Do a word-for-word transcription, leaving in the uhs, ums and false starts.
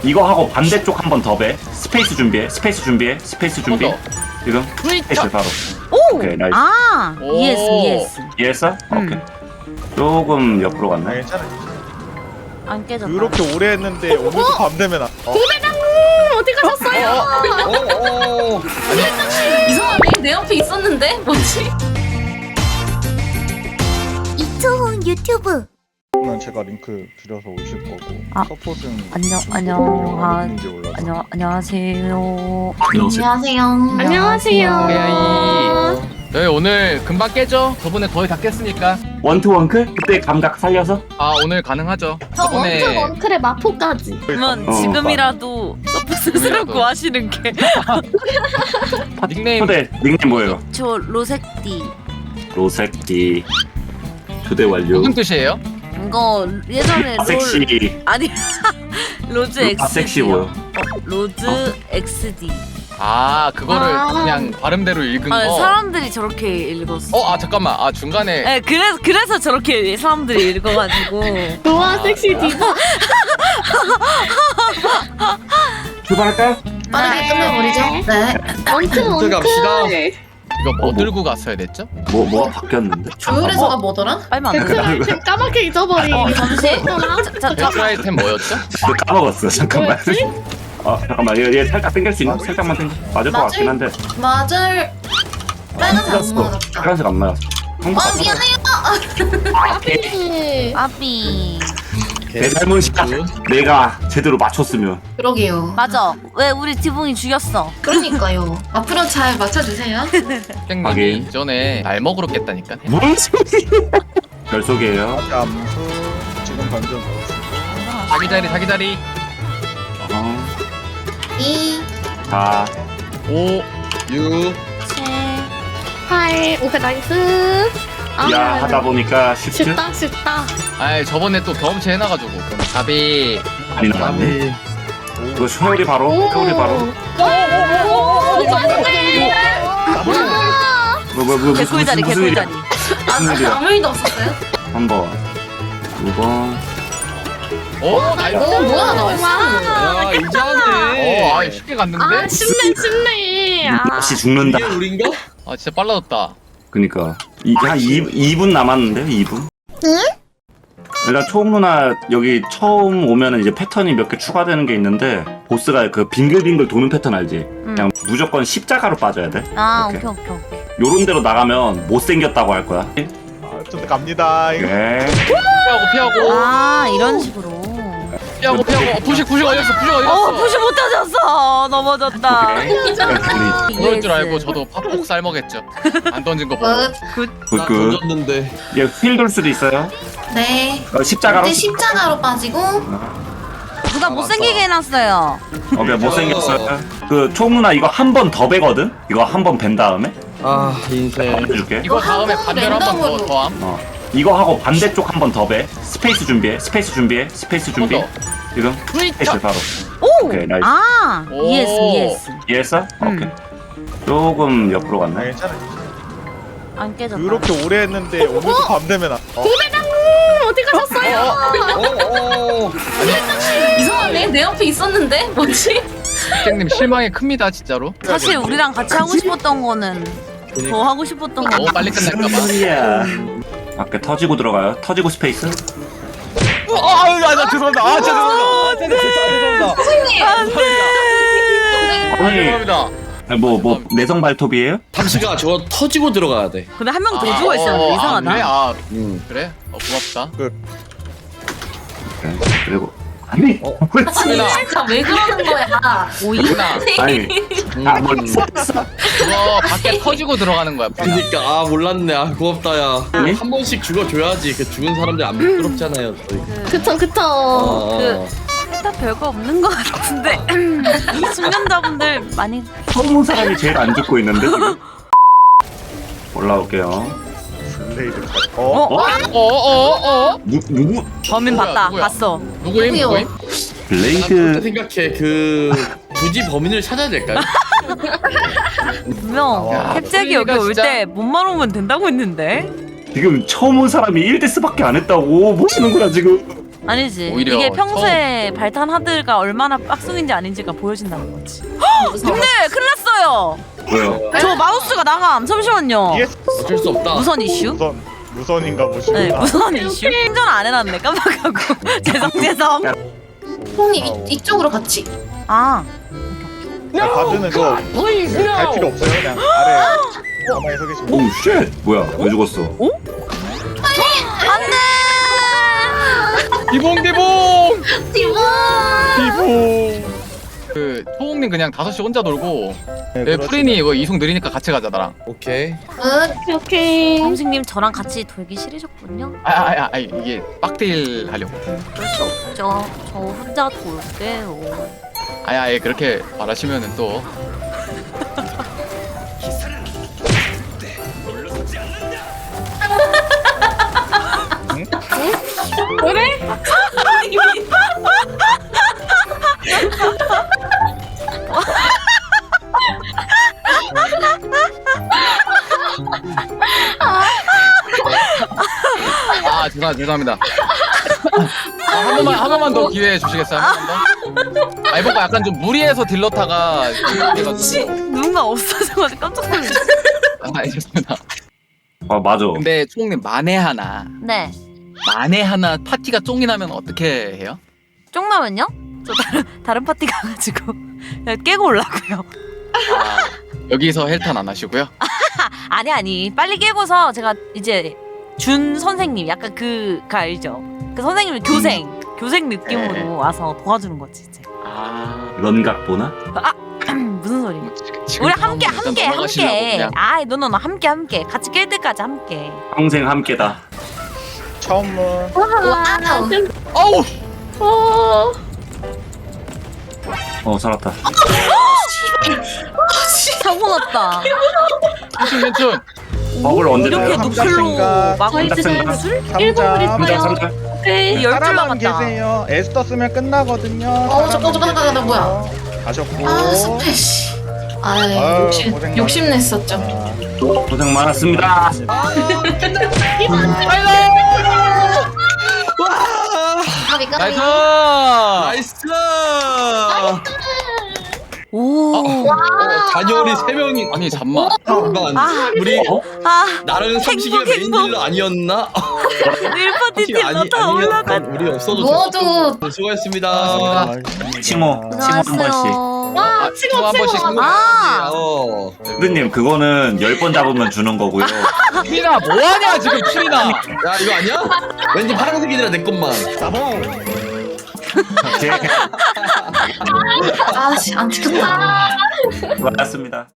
이거 하고 반대쪽 한 번 더 배. 스페이스 준비해. 스페이스 준비해. 스페이스 준비. 지금 스페이스 바로. 오! 오케이 나이스. 아! 오. 이해했어, 이해했어. 이해했어? 음. 오케이. 조금 옆으로 아, 갔나? 괜찮아. 안 깨졌다. 그렇게 오래 했는데 오늘도 밤 되면 안. 어? 어디 가셨어요? 어어 이상하네. 내 옆에 있었는데? 뭐지? 이초훈 유튜브. 는 제가 링크 드려서 오실 거고 아. 서폿은 안녕, 안녕, 아, 어딘지 몰라서. 안녕, 안녕하세요. 안녕하세요. 안녕하세요. 에이. 저희 오늘 금방 깨죠? 저번에 거의 다 깼으니까. 원투 원클? 그때 감각 살려서? 아 오늘 가능하죠. 저 저번에 원투 원클의 마포까지. 그러면 어, 지금이라도 서포 스스로 지금이라도. 구하시는 게. 닉네임 초대 닉네임 뭐예요? 저 로색띠. 로색기. 초대 완료. 무슨 뜻이에요? 이거 예전에 아, 롤 섹시. 아니 로즈 엑스디. 아 섹시 뭐요? 어, 로즈 엑스디. 아 그거를 아. 그냥 발음대로 읽은 아, 거. 사람들이 저렇게 읽었어. 어 아 잠깐만 아 중간에 네, 그래서 그래서 저렇게 사람들이 읽어가지고. 노아 섹시 디바. 출발할까요? 빠르게 끝내버리죠. 네. 원투 원클. 갑시다. 이거 뭐 어, 뭐. 들고 갔어야 됐죠? 뭐 뭐가 바뀌었는데? 조율에서가 뭐더라? 빨면 안 돼. 아이템 까맣게 잊어버린. 어, 잠시. 자, 자, 배틀 아이템 뭐였죠? 너 까먹었어. 잠깐만. 어 잠깐만 얘, 얘 살짝 당길 수 있나? 살짝만 당겨. 맞을 것 맞을- 같긴 한데. 맞을. 빨간색 안 맞았어. 맞았다. 빨간색 안 맞았어. 아 미안해요. 오케이. 아비. 내 잘못이야. 내가 제대로 맞췄으면. 그러게요. 맞아. 왜 우리 지붕이 죽였어? 그러니까요. 앞으로 잘 맞춰주세요. 땡님이 하긴. 이전에 날먹으로 깼다니까. 뭔 소리? 별속이에요. 잠수 지금 던져 넣었습니다. 자기 자리 자기 자리. 어, 이, 자, 오 유 칠. 팔. 오케이 나이스. 아, 야 하다 보니까 쉽지? 쉽다 쉽다. 아이 저번에 또 경험치 해놔가지고 가비. 많이 나왔네. 이거 효율이 바로, 효율이 바로. 뭐, 뭐, 뭐, 무슨, 개꿀자리, 무슨 일이야? 개꿀자리. 무슨 일이야? 아무 일도 없었어요? 한 번, 두 번. 어 나이스. 오 뭐야 나이스. 야 이제 하네. 어 아이 쉽게 갔는데. 쉽네 쉽네. 다시 죽는다. 이게 우린가? 아 진짜 빨라졌다. 그니까. 이, 한 이 분 남았는데요, 이 분? 응? 일단 초옥 누나 여기 처음 오면은 이제 패턴이 몇 개 추가되는 게 있는데 보스가 그 빙글빙글 도는 패턴 알지? 그냥 무조건 십자가로 빠져야 돼. 아, 이렇게. 오케이, 오케이, 오케이. 요런 데로 나가면 못생겼다고 할 거야. 아, 좀 갑니다. 이거. 네. 피하고 피하고 아, 이런 식으로. 피하고 피하고. 어, 부식 부식 어렸어 부식 어, 어렸어. 푸시 못 터졌어. 넘어졌다. 오케이. 그럴 줄 알고 저도 팝폭 삶먹했죠. 안 던진 거 보고. 굿. 나 굿굿. 던졌는데. 얘휠돌 수도 있어요. 네. 어, 십자가로. 이제 십자가로 빠지고. 누가 못생기게 해놨어요. 어, 그냥 못생겼어요. 그 초옥 누나 이거 한 번 더 베거든? 이거 한 번 벤 다음에? 아 인생. 해줄게. 이거 다음에 어, 반대로 한 번 더 랜덤으로. 더함. 어. 이거 하고 반대쪽 한 번 더 배. 스페이스 준비해. 스페이스 준비해. 스페이스 준비. 더. 지금 스페이스 바로. 오! 오케이 나이스. 아, 오. 이해했어, 이해했어. 이해했어? 음. 오케이. 조금 옆으로 아, 갔나? 괜찮아. 안 깨졌다. 그렇게 오래 했는데 오늘도 밤 되면 안. 어? 어디 가셨어요? 어어 이상하네. 내 옆에 있었는데? 뭐지? 땡님 실망이 큽니다 진짜로. 사실 우리랑 같이 하고 싶었던 거는 더 하고 싶었던 거. 너무 빨리 끝날까봐. 소리야. 밖에 터지고 들어가요. 터지고 스페이스. 아나 죄송합니다. 아 진짜 죄송합니다. 아 진짜 죄송합니다. 아니 죄송합니다. 뭐 뭐 내성 발톱이에요? 잠시가 저거 터지고 들어가야 돼. 근데 한 명 더 아, 죽어 어, 있었는데 아, 이상하다. 그래? 아 음. 그래? 어 고맙다. 오케이. 그리고 아니 어. 왜 진짜 왜 그러는 거야? 오이. 누나 아니 아뭘 음. 그거 밖에 터지고 들어가는 거야. 누나. 그니까 아 몰랐네. 아 고맙다 야. 네? 한 번씩 죽어줘야지. 그 죽은 사람들 안 부끄럽잖아요. 저희. 그쵸 그쵸. 어, 어. 다 별거 없는 것 같은데 이 숙련자분들 많이 처음 온 사람이 제일 안 죽고 있는데 지금. 올라올게요. 블레이드. 어? 어? 어어어 어? 누 누구? 범인 누구야, 봤다. 누구야? 봤어. 누구임 누구요? 누구임? 난 그렇게 블레이드. 생각해. 그 굳이 범인을 찾아야 될까요? 분명 야, 캡잭이 여기 소리가 올 진짜- 때 몸만 오면 된다고 했는데 지금 처음 온 사람이 일 데스밖에 안 했다고 보시는구나 지금. 아니지. 오히려 이게 평소에 발탄 하드가 얼마나 빡숭인지 아닌지가 보여진다는 거지. 무서워. 근데 큰일 났어요. 왜요? 저 마우스가 나감. 잠시만요. 이에스 어쩔 수 없다. 무선 이슈? 무선 무선인가 보시구나. 네, 무선 이슈. 충전 안 해놨네. 깜빡하고. 죄송 죄송. 형님 이, 이쪽으로 같이. 아, 야, 바드는 그거 갈 필요 없어요. 그냥 아래 가만히 서 계시면. 오우 쉣 뭐야 왜 죽었어? 안돼. 디봉 디봉. 디몬. 피부. 그 초홍님 그냥 다섯 시 혼자 놀고 네, 네, 그렇죠. 프린이 이거 이송 느리니까 같이 가자 나랑. 오케이. 오케이 오케이. 삼식님 저랑 같이 돌기 싫으셨군요. 아아 아, 아, 이게 빡딜 하려고. 그럴 수 없죠. 저 혼자 돌게요. 아야 아예 그렇게 말하시면은 또. 아 죄송 죄송합니다. 아, 한 번만 한 번만 더 기회 주시겠어요? 한 번 더? 아 이번 거 약간 좀 무리해서 딜러타가 해가지고. 누군가 없어져가지고 깜짝 놀랐어. 아 알겠습니다. 아 맞아. 근데 초홍님 만에 하나 네. 만에 하나 파티가 쫑이 나면 어떻게 해요? 쪽나면요? 저 다른 다른 파티 가가지고 그냥 깨고 올라고요. 아, 여기서 헬탄 안 하시고요? 아니 아니 빨리 깨고서 제가 이제 준 선생님 약간 그, 그 알죠? 그 선생님이 교생 교생 느낌으로 네. 와서 도와주는 거지 이제. 아 런각 보나? 무슨 소리? 지금 우리 함께 일단 함께 넘어가시려고 함께. 그냥. 아이 노노노 함께 함께 같이 깰 때까지 함께. 평생 함께다. 처음은 와우. 어우 어. 어 살았다. 사고 났다. 괜춘 괜춘. 버블 언제 이렇게 돼요? 삼자 노클로 생각. 막을 저희 삼자 지금 생각. 술 삼자. 일곱 분 삼자 있어요. 삼자. 오케이. 열줄 따라만 남았다. 계세요. 에스터 쓰면 끝나거든요. 어, 잠깐, 잠깐, 잠깐, 잠깐, 뭐야? 가셨고. 아 스페 씨. 아 아유, 욕심 고생 욕심 냈었죠. 고생 많았습니다. 까비 까비. 나이스. 나이스. 오. 어, 단열이 세 명이. 아니 잠만. 잠깐. 아. 우리 어? 아. 나랑 삼식이가 행복, 메인 행복. 딜러 아니었나? 일 파티 팀 아니 너다 올라가. 아니면 우리 없어도 모두. 됐어. 수고했습니다. 아, 칭호 칭호 한 번씩. 안녕하세요. 와 치고 한 번씩 치고. 아. 어. 선생님 그거는 열 번 잡으면 주는 거고요. 프리나 뭐하냐 지금 프리나. 야 이거 아니야? 왠지 파란색이라 내 것만. 오케이. 아씨 안 찍혔다. 고맙습니다.